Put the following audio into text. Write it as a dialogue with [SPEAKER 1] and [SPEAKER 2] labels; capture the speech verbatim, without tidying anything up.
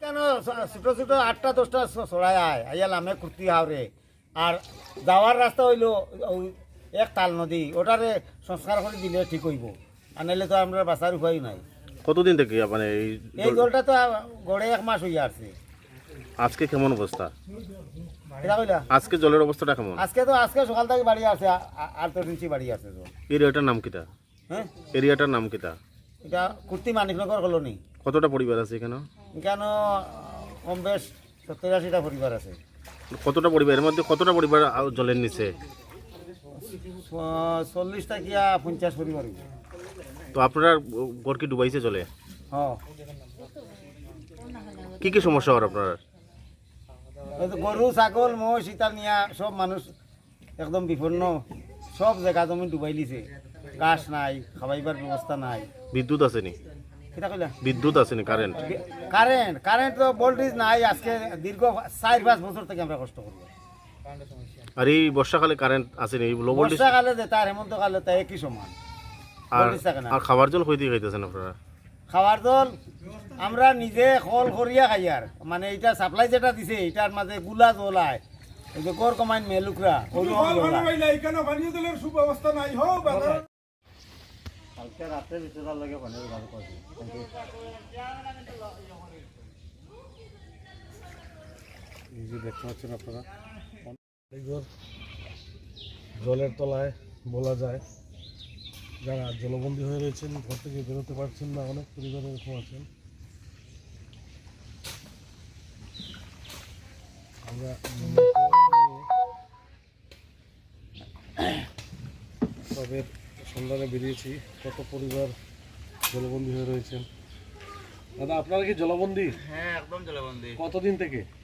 [SPEAKER 1] এখানে ছোট ছোট আটটা দশটা ছড়াই আয় আইয়া লামে কুর্তি হাওরে আর যাওয়ার রাস্তা হইল ওই এক তাল নদী ওটারে সংস্কার করে দিলে ঠিক হইব আর নাহলে তো আমরা বাঁচার উপায় নাই।
[SPEAKER 2] কতদিন থেকে মানে এই
[SPEAKER 1] এই জলটা তো গড়ে এক মাস হইয়া আসছে।
[SPEAKER 2] আজকে কেমন অবস্থা?
[SPEAKER 1] এটা কইলা
[SPEAKER 2] আজকে জলের অবস্থাটা কেমন?
[SPEAKER 1] আজকে তো আজকে সকাল থেকে বাড়ি আছে আট দশ ইঞ্চি বাড়ি আছে তো।
[SPEAKER 2] এরিয়াটার নাম কিটা?
[SPEAKER 1] হ্যাঁ
[SPEAKER 2] এরিয়াটার নাম কিটা?
[SPEAKER 1] এটা কুর্তি মানিকনগর কলোনি।
[SPEAKER 2] কতটা পরিবার আছে এখানে?
[SPEAKER 1] এখানে কম বেশ সত্তর আশিটা পরিবার আছে।
[SPEAKER 2] কতটা পরিবার, এর মধ্যে কতটা পরিবার আ- জলের নিচে?
[SPEAKER 1] চল্লিশটা কিয়া পঞ্চাশ পরিবার হইবে।
[SPEAKER 2] তো আপনার ঘর কি ডুবাইছে জলে?
[SPEAKER 1] হ্যাঁ
[SPEAKER 2] কি কি সমস্যা হয় আপনার?
[SPEAKER 1] ওই তো গরু ছাগল মহিষ ইতা নিয়া সব মানুষ একদম বিপন্ন, সব জায়গা জমি ডুবাই লিছে, গাছ নাই, খাবাইবার ব্যবস্থা নাই।
[SPEAKER 2] বিদ্যুৎ আসেনি?
[SPEAKER 1] কিতা কইলা?
[SPEAKER 2] বিদ্যুৎ আসেনি, কারেন্ট?
[SPEAKER 1] কারেন্ট কারেন্ট তো ভোল্টেজ নাই। আজকে দীর্ঘ চার পাঁচ বছর থেকে আমরা কষ্ট করি।
[SPEAKER 2] আর এই বর্ষাকালে কারেন্ট আসেনি, এই লো ভোল্টেজ?
[SPEAKER 1] বর্ষাকালে যে তার হেমন্তকালে তাই একই সমান।
[SPEAKER 2] আর
[SPEAKER 1] ভোল্টেজ থাকে না।
[SPEAKER 2] আর খাবার জল কই দিয়ে খাইতেছেন আপনারা?
[SPEAKER 1] খাবার জল আমরা নিজে কল করিয়া খাই আর মানে এটা সাপ্লাই যেটা দিছে এটার মাঝে গুলা জল আয়, এই যে গড় কমাইন মেলুকরা কালকে রাতে বিচরার লাগে পানির ভালো পাচ্ছি।
[SPEAKER 3] এই যে দেখতে পাচ্ছেন আপনারা ঘর জলের তলায় বলা যায়, যারা জলবন্দী হয়ে রয়েছেন, ঘর থেকে বেরোতে পারছেন না, অনেক পরিবার এরকম আছেন। আমরা তবে সন্ধানে বেরিয়েছি কত পরিবার জলবন্দী হয়ে রয়েছেন। দাদা আপনারা কি জলবন্দী?
[SPEAKER 4] হ্যাঁ একদম জলবন্দী।
[SPEAKER 3] কতদিন থেকে?